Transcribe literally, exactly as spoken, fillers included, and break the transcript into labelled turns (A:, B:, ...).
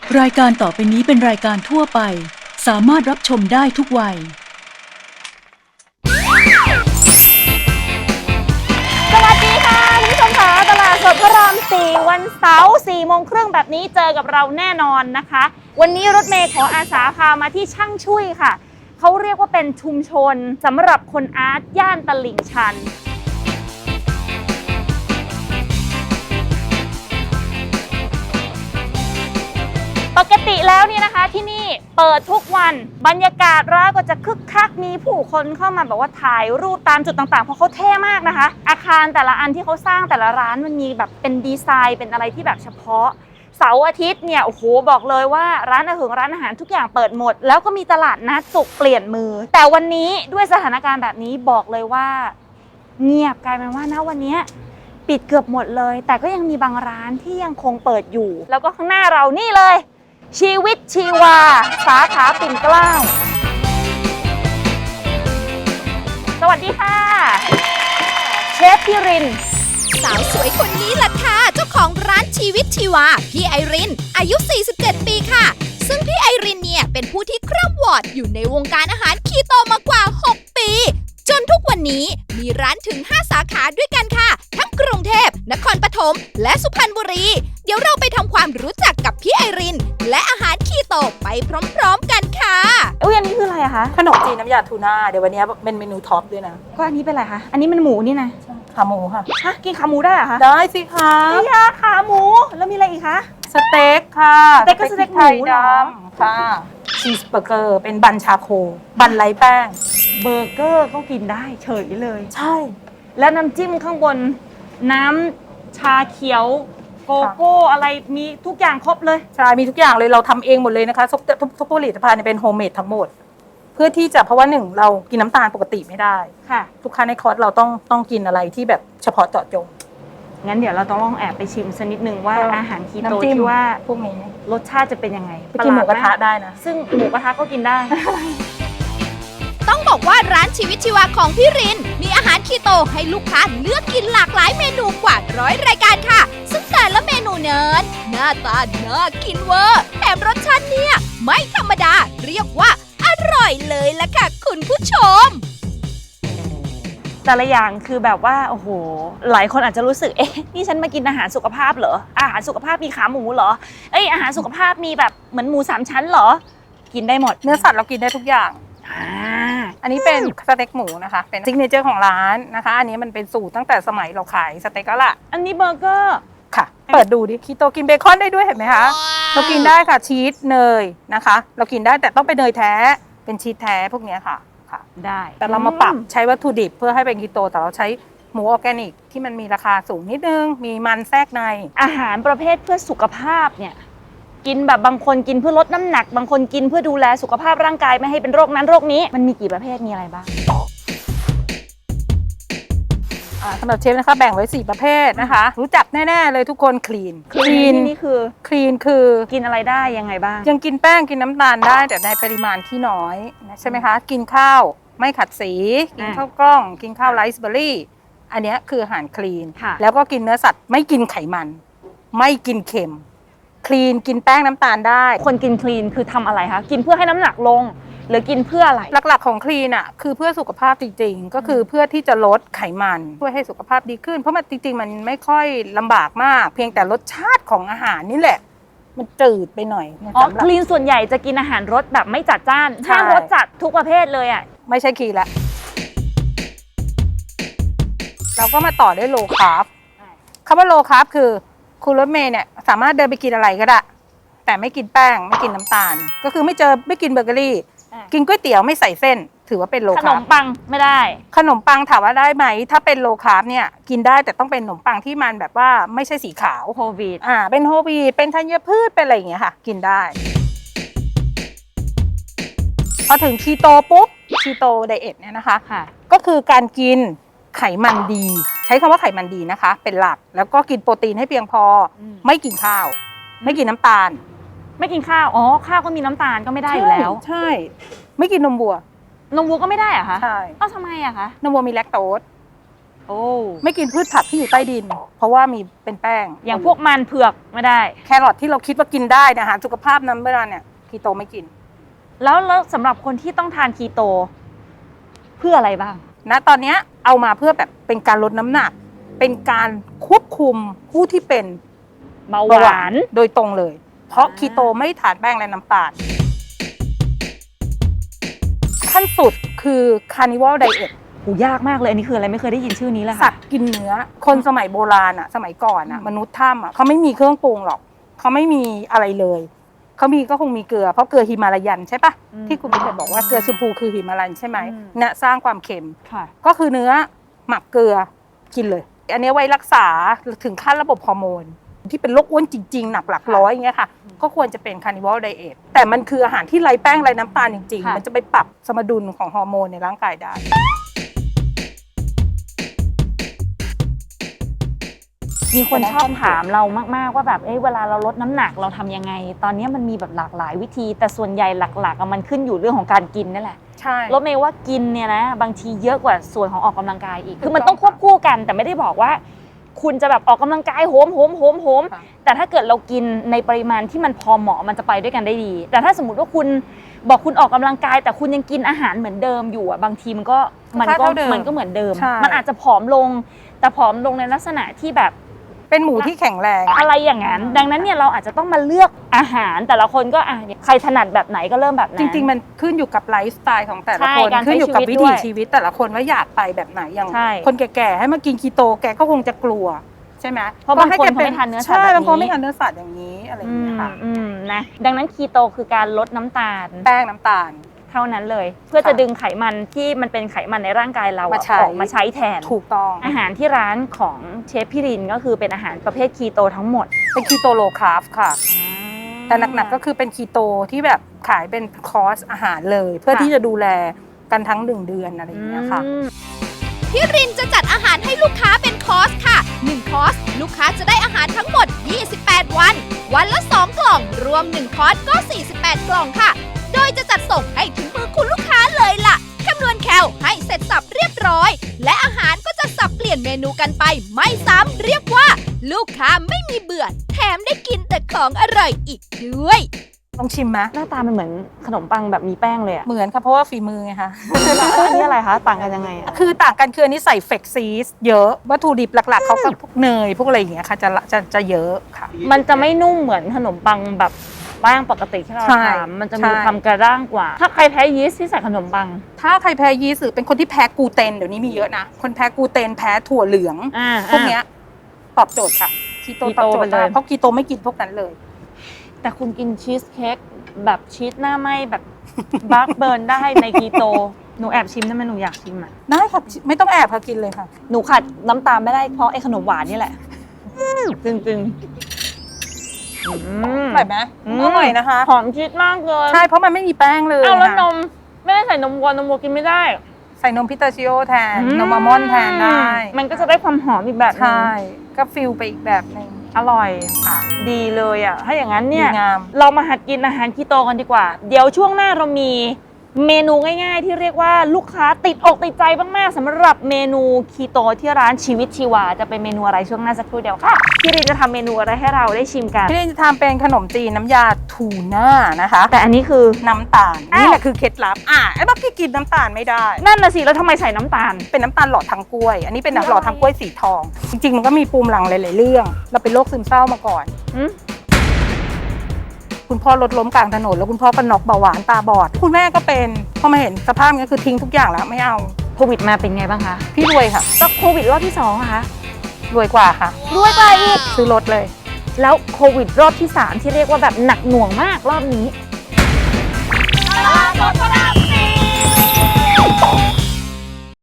A: รายการต่อไปนี้เป็นรายการทั่วไปสามารถรับชมได้ทุกวัย
B: สวัสดีค่ะคุณผู้ชมค่ะตลาดสดพระรามสี่วันเสาร์สี่โมงครึ่งแบบนี้เจอกับเราแน่นอนนะคะวันนี้รถเมย์ขออาสาพามาที่ช่างช่วยค่ะเขาเรียกว่าเป็นชุมชนสำหรับคนอาร์ตย่านตลิ่งชันปกติแล้วเนี่ยนะคะที่นี่เปิดทุกวันบรรยากาศร้านก็จะคึกคักมีผู้คนเข้ามาแบบว่าถ่ายรูปตามจุดต่างๆเพราะเขาเท่มากนะคะอาคารแต่ละอันที่เขาสร้างแต่ละร้านมันมีแบบเป็นดีไซน์เป็นอะไรที่แบบเฉพาะเสาร์อาทิตย์เนี่ยโอ้โหบอกเลยว่าร้านอาหารร้านอาหารทุกอย่างเปิดหมดแล้วก็มีตลาดนัดสุกเปลี่ยนมือแต่วันนี้ด้วยสถานการณ์แบบนี้บอกเลยว่าเงียบกลายเป็นว่าณวันนี้ปิดเกือบหมดเลยแต่ก็ยังมีบางร้านที่ยังคงเปิดอยู่แล้วก็ข้างหน้าเรานี่เลยชีวิตชีวาสาขาปิ่นเกล้าสวัสดีค่ะเชฟพี่ริน
C: สาวสวยคนนี้แหละค่ะเจ้าของร้านชีวิตชีวาพี่ไอรินอายุสี่สิบเจ็ดปีค่ะซึ่งพี่ไอรินเนี่ยเป็นผู้ที่คร่ำวอดอยู่ในวงการอาหารคีโตมากว่าหกปีจนทุกวันนี้มีร้านถึงห้าสาขาด้วยกันค่ะทั้งกรุงเทพนครปฐมและสุพรรณบุรีเดี๋ยวเราไปทำความรู้จักกับพี่ไอรินและอาหารคีโตไปพร้อมๆกันค่ะ
B: อุ้ยอันนี้คืออะไรอะคะ
D: ขนมจีนน้ำยาทูน่าเดี๋ยววันนี้เป็นเมนูท็อปด้วยนะ
B: ก็อันนี้เป็นอะไรคะอันนี้มันหมูนี่นะ
D: ขาหมูค่ะ
B: ฮะกินขาหมูได้เหรอคะ
D: ได้สิคะ
B: พี่ยาขาหมูแล้วมีอะไรอีกคะ
D: สเต็กค่ะ
B: สเต็กก็สเต็กหมู
D: ดำค่ะชีสเบอร์เกอร์เป็นบันชาโคบันไร้แป้ง
B: เบอร์เกอร์ก็กินได้เฉยเลย
D: ใช่
B: แล้วน้ำจิ้มข้างบนน้ำชาเขียวโกโก้อะไรมีทุกอย่างครบเลย
D: ใช่มีทุกอย่างเลยเราทำเองหมดเลยนะคะทุกทุกผลิตภัณฑ์เป็นโฮมเมดทั้งหมดเพื่อที่จะเพราะว่าหนึ่งเรากินน้ำตาลปกติไม่ได้
B: ค่ะ
D: ทุกครั้งในคอร์สเราต้องต้องกินอะไรที่แบบเฉพาะเจาะจง
B: งั้นเดี๋ยวเราต้องลองแอบไปชิมสักนิดนึงว่าอาหารคีโตที่ว่า
D: พวกนี้
B: รสชาติจะเป็นยังไง
D: ไปกินหมูกระทะได้นะ
B: ซึ่งหมูกระทะก็กินได้
C: ต้องบอกว่าร้านชีวิตชีวาของพี่รินมีอาหารคีโตให้ลูกค้าเลือกกินหลากหลายเมนูกว่าร้อยรายการค่ะซึ่งแต่ละเมนูนั้นหน้าตาน่ากินเวอร์แถมรสชาติเนี่ยไม่ธรรมดาเรียกว่าอร่อยเลยล่ะค่ะคุณผู้ชม
B: แต่ละอย่างคือแบบว่าโอ้โหหลายคนอาจจะรู้สึกเอ๊ะนี่ฉันมากินอาหารสุขภาพเหรออาหารสุขภาพมีขาหมูเหรอเอ้ยอาหารสุขภาพมีแบบเหมือนหมูสามชั้นเหรอกินได้หมด
D: เนื้อสัตว์เรากินได้ทุกอย่างอันนี้เป็นสเต็กหมูนะคะเป็นซิกเนเจอร์ของร้านนะคะอันนี้มันเป็นสูตรตั้งแต่สมัยเราขายสเต็กแล้วล่ะ
B: อันนี้เบอร์เกอร์
D: ค่ะเปิดดูดิคีโตกินเบคอนได้ด้วยเห็นไหมคะเรากินได้ค่ะชีสเนยนะคะเรากินได้แต่ต้องเป็นเนยแท้เป็นชีสแท้พวกนี้ค่ะค่ะ
B: ได้
D: แต่เรามาปรับใช้วัตถุดิบเพื่อให้เป็นคีโตแต่เราใช้หมูออร์แกนิกที่มันมีราคาสูงนิดนึงมีมันแทรกใน
B: อาหารประเภทเพื่อสุขภาพเนี่ยกินแบบบางคนกินเพื่อลดน้ำหนักบางคนกินเพื่อดูแลสุขภาพร่างกายไม่ให้เป็นโรคนั้นโรคนี้มันมีกี่ประเภทมีอะไรบ้าง
D: สำหรับเชฟนะคะแบ่งไว้สี่ประเภทนะคะรู้จักแน่ๆเลยทุกคนคลีน
B: คลีนนี่คือ
D: คลีนคือ
B: กินอะไรได้ยังไงบ้าง
D: ยังกินแป้งกินน้ำตาลได้แต่ในปริมาณที่น้อยใช่ไหมคะกินข้าวไม่ขัดสีกินข้าวกล้องกินข้าวไรซ์เบอร์รี่อันนี้คืออาหารคลีนแล้วก็กินเนื้อสัตว์ไม่กินไขมันไม่กินเค็มคลีนกินแป้งน้ำตาลได้
B: คนกินคลีนคือทำอะไรคะกินเพื่อให้น้ำหนักลงหรือกินเพื่ออะไร
D: หลักๆของคลีนอ่ะคือเพื่อสุขภาพจริงๆก็คือเพื่อที่จะลดไขมันเพื่อให้สุขภาพดีขึ้นเพราะมันจริงๆมันไม่ค่อยลำบากมากเพียงแต่รสชาติของอาหารนี่แหละมันจืดไปหน่อย
B: อ๋อคลีนส่วนใหญ่จะกินอาหารรสแบบไม่จัดจ้านห้ามรสจัดทุกประเภทเลยอ่ะ
D: ไม่ใช่คลีนละเราก็มาต่อด้วยโลคาร์บคำว่าโลคาร์บคือคุณรถเมย์เนี่ยสามารถเดินไปกินอะไรก็ได้แต่ไม่กินแป้งไม่กินน้ำตาลก็คือไม่เจอไม่กินเบเกอรี่กินก๋วยเตี๋ยวไม่ใส่เส้นถือว่าเป็นโลคาร์บ
B: ขนมปังไม่ได้
D: ขนมปังถามว่าได้ไหมถ้าเป็นโลคาร์บเนี่ยกินได้แต่ต้องเป็นขนมปังที่มันแบบว่าไม่ใช่สีขาว
B: โฮลวีต
D: อ่าเป็นโฮลวีตเป็นธัญพืชเป็นอะไรอย่างเงี้ยค่ะกินได้พอถึงคีโตปุ๊บคีโตไดเอทเนี่ยนะคะก็คือการกินไขมันดีใช้คำว่าไขมันดีนะคะเป็นหลักแล้วก็กินโปรตีนให้เพียงพอไม่กินข้าวไม่กินน้ำตาล
B: ไม่กินข้าวอ๋อข้าวก็มีน้ำตาลก็ไม่ได้อยู่แล้ว
D: ใช่ไม่กินนมวัวน
B: มวัวก็ไม่ได้อะคะ
D: ใช่
B: เอ้าทำไมอะคะ
D: นมวัวมีแลคโตส
B: โอ้
D: ไม่กินพืชผักที่อยู่ใต้ดิน เพราะว่ามีเป็นแป้ง
B: อย่างพวกมันเผือกไม่ได้
D: แครอทที่เราคิดว่ากินได้นะอาหารสุขภาพนั้นเวลาเนี่ยคีโตไม่กิน
B: แล้วแล้วสำหรับคนที่ต้องทานคีโต เพื่ออะไรบ้าง
D: ณตอนเนี้ยเอามาเพื่อแบบเป็นการลดน้ำหนัก เป็นการควบคุมผู้ที่เป็น
B: เบาห
D: เบาห
B: วาว
D: าน นโดยตรงเลย เพราะ
B: อ่า
D: คีโตไม่ทานแป้งและน้ำตาลขั้นสุดคือคาร์นิวัลไดเอท
B: โหยากมากเลยอันนี้คืออะไรไม่เคยได้ยินชื่อนี้เลย
D: สั
B: ค่ะ
D: ตว์กินเนื้อ คนสมัยโบราณอะสมัยก่อนอะ
B: อืม
D: มนุษย์ถ้ำอะเขาไม่มีเครื่องปรุงหรอก เขาไม่มีอะไรเลยเขามีก็คงมีเกลือเพราะเกลือฮิมาลายันใช่ปะที่คุณพี่เคยบอกว่าเกลือชมพูคือฮิมาลายันใช่ไหมเนี่ยสร้างความเค็ม
B: ค่ะ
D: ก็คือเนื้อหมักเกลือกินเลย อันนี้ไว้รักษาถึงขั้นระบบฮอร์โมนที่เป็นโรคอ้วนจริงๆ หนักหลักร้อยอย่างเงี้ยค่ะก็ควรจะเป็นคาร์นิวัลไดเอทแต่มันคืออาหารที่ไร้แป้งไร้น้ำตาลจริง
B: ค่ะ
D: ๆ มันจะไปปรับสมดุลของฮอร์โมนในร่างกายได้
B: มีคนชอบถามเรามากๆว่าแบบเอ้ยเวลาเราลดน้ำหนักเราทำยังไง ตอนนี้มันมีแบบหลากหลายวิธี แต่ส่วนใหญ่หลักๆอะมันขึ้นอยู่เรื่องของการกินนั่นแหละ
D: ใช่
B: รถเมย์ว่ากินเนี่ยนะบางทีเยอะกว่าส่วนของออกกำลังกายอีก คือมันต้องควบคู่กันแต่ไม่ได้บอกว่า คุณจะแบบออกกำลังกายโหมโหมโหมโหม
D: ค่ะ
B: แต่ถ้าเกิดเรากินในปริมาณที่มันพอเหมาะมันจะไปด้วยกันได้ดี แต่ถ้าสมมติว่าคุณบอกคุณออกกำลังกาย แต่คุณยังกินอาหารเหมือนเดิมอยู่อ่ะบางทีมันก็มันก็มันก็เหมือนเดิม
D: ใช่
B: มันอาจจะผอมลง แต่ผอมลงในลักษณะที่แบบ
D: เป็นหมูที่แข็งแรง
B: อะไรอย่างนั้น ดังนั้นเนี่ยเราอาจจะต้องมาเลือกอาหารแต่ละคนก็อ่ะใครถนัดแบบไหนก็เริ่มแบบนั้น
D: จริงๆ มันขึ้นอยู่กับไลฟ์สไตล์ของแต่ละ
B: ใช่
D: คน
B: การใช้
D: ขึ้นอยู่กับ
B: ชีวิ
D: วิ
B: ต
D: ถี
B: ด้วย
D: ชีวิตแต่ละคนว่าอยากไปแบบไหนอย่าง
B: ใช่
D: คนแก่ๆให้มากินคีโตแกก็คงจะกลัวใช่ไหม
B: เพราะบางคน
D: ก็ให้แก
B: เขาไม่ทานเนื้อสัตว์
D: ใช่
B: แบบนี้
D: บางคนไม่ทานเนื้อสัตว์อย่างนี้อะไรอย่าง
B: อื
D: เงี้ย
B: ม
D: ค่ะ
B: อืมนะดังนั้นคีโตคือการลดน้ำตาล
D: แป้งน้ำตาล
B: เท่านั้นเลย เพื่อจะ
D: ค่ะ
B: ดึงไขมันที่มันเป็นไขมันในร่างกายเราอะ
D: มาใช้
B: ออกมาใช้แทน
D: ถูกต้อง
B: อาหารที่ร้านของเชฟพี่รินก็คือเป็นอาหารประเภทคีโตทั้งหมด
D: เป็นคีโตโลคาร์บค่ะ แต่หนักๆก็คือเป็นคีโตที่แบบขายเป็นคอร์สอาหารเลย เพื่อ
B: ค่ะ
D: ที่จะดูแลกันทั้งหนึ่งเดือนอะไรอย่างเงี้ยค่ะ
B: อืม
C: พี่รินจะจัดอาหารให้ลูกค้าเป็นคอร์สค่ะหนึ่งคอร์สลูกค้าจะได้อาหารทั้งหมดยี่สิบแปดวัน วันละสองกล่อง รวมหนึ่งคอร์สก็สี่สิบแปดกล่องค่ะ โดยจะจัดส่งให้ถึงมือคุณลูกค้าเลยล่ะคำนวณแคลให้เสร็จสับเรียบร้อย และอาหารก็จะสับเปลี่ยนเมนูกันไปไม่ซ้ำเรียกว่า ลูกค้าไม่มีเบื่อ แถมได้กินแต่ของอร่อยอีกด้วย
D: ลองชิมไหม
B: หน้าตามันเหมือนขนมปังแบบมีแป้งเลยอะ
D: เหมือนค่ะเพราะว่าฝีมือไงคะ
B: แล้วอันนี้อะไรคะต่างกันยังไงอะ
D: คือต่างกันคืออันนี้ใส่เฟกซีสเยอะวัตถุดิบหลักๆเขาก็พวกเนยพวกอะไรอย่างเงี้ยค่ะจะจะจะเยอะค่ะ
B: มันจะไม่นุ่มเหมือนขนมปังแบบแป้งปกติที่เรา
D: ใช่
B: ทำมันจะมี
D: ใช่
B: ความกระด้างกว่า ถ้าใครแพ้ยีสต์ที่ใส่ขนมปัง
D: ถ้าใครแพ้ยีสต์หรือเป็นคนที่แพ้กลูเตนเดี๋ยวนี้มีเยอะนะ คนแพ้กลูเตนแพ้ถั่วเหลือง
B: อ่า
D: พวกเนี้ยตอบโจทย์ค่ะคีโต
B: คี
D: ต
B: โต
D: อบโจท
B: ไป
D: ย์
B: เลย
D: มากเพราะคีโตไม่กินพวกนั้นเลย
B: แต่คุณกินชีสเค้กแบบชีสหน้าไหมแบบบักเบิร์นได้ในคีโต หนูแอบชิมได้ไหมหนูอยากชิมอ่ะ
D: ได้ค่ะไม่ต้องแอบค่ะกินเลยค่ะ
B: หนูขัดน้ำตาลไม่ได้เพราะไอ้ขนมหวานนี่แหละจริงจริงๆอืม
D: อร่อยไหม
B: อืม
D: อร่อยนะคะ
B: หอมชีสมากเลย
D: ใช่เพราะมันไม่มีแป้งเลย
B: อ้าวแล้วน
D: ค่ะ
B: มไม่ได้ใส่นมวัวนมวัวกินไม่ได้
D: ใส่นมพิตาชิโอแทนนมอัลมอนด์แทนได้
B: มันก็จะได้ความหอมอีกแบบหนึง
D: ใช่ก็ฟิลไปอีกแบบหนึ่ง
B: อร่อย
D: ค่ะ
B: ดีเลยอ่ะถ้าอย่างนั้นเนี่ย
D: ดีงาม
B: เรามาหัดกินอาหารคีโตกันดีกว่า เดี๋ยวช่วงหน้าเรามีเมนูง่ายๆ ที่เรียกว่าลูกค้าติดอกติดใจมากๆสำหรับเมนูคีโตที่ร้านชีวิตชีวาจะเป็นเมนูอะไรช่วงหน้าสักครู่เดียวค่ะพี่รินจะทำเมนูอะไรให้เราได้ชิมกัน
D: พี่เรนจะทำเป็นขนมจีนน้ำยาทูน่านะคะ
B: แต่อันนี้คือ
D: น้ำตาล
B: อ้าว
D: นี่แหละคือเคล็ดลับอ่ะไอ้บักกี้กินน้ำตาลไม่ได้
B: นั่นน่ะสิแล้วทำไมใส่น้ำตาล
D: เป็นน้ำตาลหลอดทางกล้วย อันนี้เป็น
B: คืออะไร
D: หลอดทางกล้วยสีทอง จริงๆมันก็มีปูมหลังหลายๆเรื่อง เราเป็นโรคซึมเศร้ามาก่อน
B: อืม
D: คุณพ่อรถล้มกลางถนนแล้วคุณพ่อก็น็อกเบาหวานตาบอด คุณแม่ก็เป็นพอมาเห็นสภาพนี้คือทิ้งทุกอย่างแล้วไม่เอา
B: โควิดมาเป็นไงบ้างคะ
D: พี่รวยค่ะ
B: ก็โควิดรอบที่สองอะคะ
D: รวยกว่าค่ะ
B: รวยกว่าอีก
D: ซื้อรถเลย
B: แล้วโควิดรอบที่สามที่เรียกว่าแบบหนักหน่วงมากรอบนี้
C: ตลาดสดพระราม